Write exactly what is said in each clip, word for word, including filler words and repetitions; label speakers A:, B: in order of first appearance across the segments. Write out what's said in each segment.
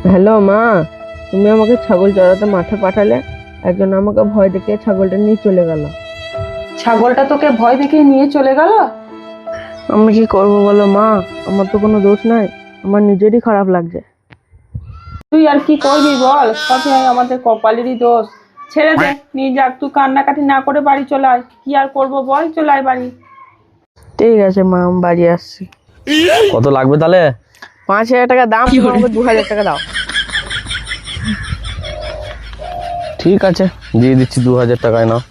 A: Hello মা, তুমি আমাকে ছাগল চড়াতে মাঠে পাঠালে, একজন আমাকে ভয় দেখিয়ে ছাগলটা নিয়ে চলে গেল।
B: ছাগলটা তোকে ভয় দেখিয়ে নিয়ে চলে গেল?
A: আমি কি করবো বলো মা, আমার তো কোনো দোষ নাই, আমার নিজেরই খারাপ লাগছে।
B: তুই আর কি করবি বল, সবই আমাদের কপালেরই দোষ। ছেড়ে দে, নিয়ে যাক, তুই কান্নাকাটি না করে বাড়ি চলে আয়। কি আর করবো বল, চলে আয় বাড়ি।
A: ঠিক আছে মা, আমি বাড়ি আসছি।
C: কত লাগবে তাহলে?
A: পাঁচ হাজার টাকা দাম, তুমি আমাকে দু হাজার টাকা দাও।
C: ঠিক আছে, দিয়ে দিচ্ছি দু হাজার টাকায় নাও।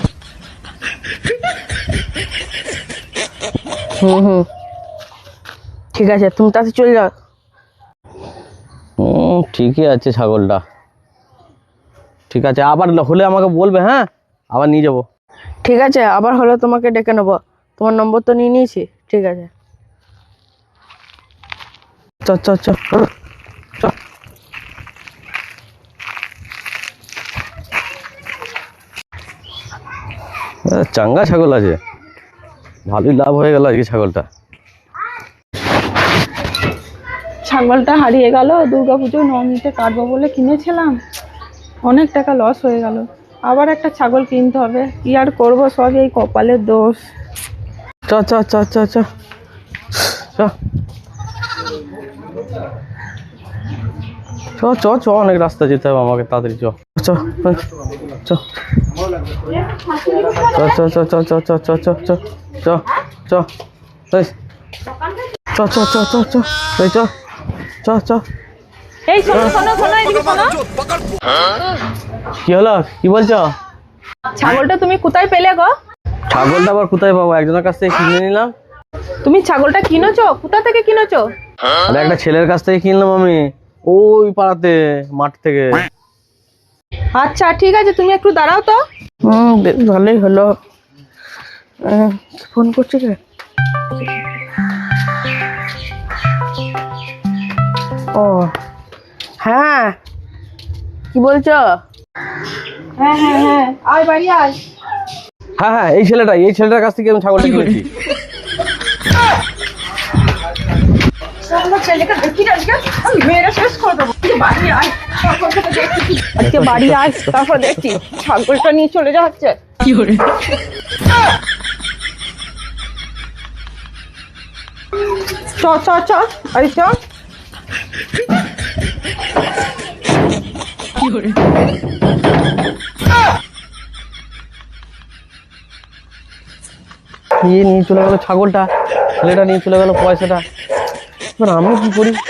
A: হুম হুম ঠিক আছে, তুমি তাতে চলে যাও।
C: হুম, ঠিকই আছে ছাগলটা। ঠিক আছে, আবার হলে আমাকে বলবে, হ্যাঁ, আবার নিয়ে যাবো।
A: ঠিক আছে, আবার হলে তোমাকে ডেকে নেবো, তোমার নম্বর তো নিয়ে নিয়েছি। ঠিক আছে,
C: চ চ চ চ। চাঙ্গা ছাগল আছে, ভালোই লাভ হয়ে গেল আজকে ছাগলটা।
B: ছাগলটা হারিয়ে গেল, দুর্গাপুজোয় নবমীতে কাটবো বলে কিনেছিলাম, অনেক টাকা লস হয়ে গেল। আবার একটা ছাগল কিনতে হবে, কি আর করবো, সব এই কপালের দোষ।
C: চ চ চ চ চ চ চ চ চ অনেক রাস্তা যেতে হবে আমাকে, তাড়াতাড়ি চ চ চ চ চ চ চ চ চ চ চ চ চ চ এই চ চ চ চ চ এই চ চ চ।
B: এই শোনো শোনো শোনো, এদিকে শোনো।
C: কি হলো, কি বলছো?
B: ছাগলটা তুমি কোথায় পেলে গো?
C: ছাগলটা আবার কোথায় পাবো, একজনের কাছ থেকে কিনে নিলাম।
B: তুমি ছাগলটা কিনেছো? কোথা থেকে কিনেছো?
C: আরে একটা ছেলের কাছ থেকে কিনলাম আমি, ওই পাড়াতে, মাঠ থেকে।
B: আচ্ছা ঠিক আছে, তুমি একটু দাঁড়াও তো।
A: হুম বেশ ভালোই হলো। আহ, ফোন করছি কে? ও হ্যাঁ, কি বলছো?
B: হ্যাঁ হ্যাঁ হ্যাঁ, আয় বাড়ি আয়।
C: হ্যাঁ হ্যাঁ, এই ছেলেটা, এই ছেলেটার কাছ থেকে আমি ছাগলটা কিনেছি।
B: ছেলেকে দেখি না, আজকে আমি মেয়েরা শেষ করে দেবো। তুই বাড়ি আয়, তারপর তোকে দেখছি। আজকে বাড়ি আয়, তারপর দেখছি ছাগলটা নিয়ে চলে যাচ্ছে। কি করে? চ চ চ, আরে চ। কি করে?
C: নিয়ে নিয়ে চলে গেল ছাগলটা, ছেলেটা নিয়ে চলে গেল পয়সাটা। এবার আমি কি করি?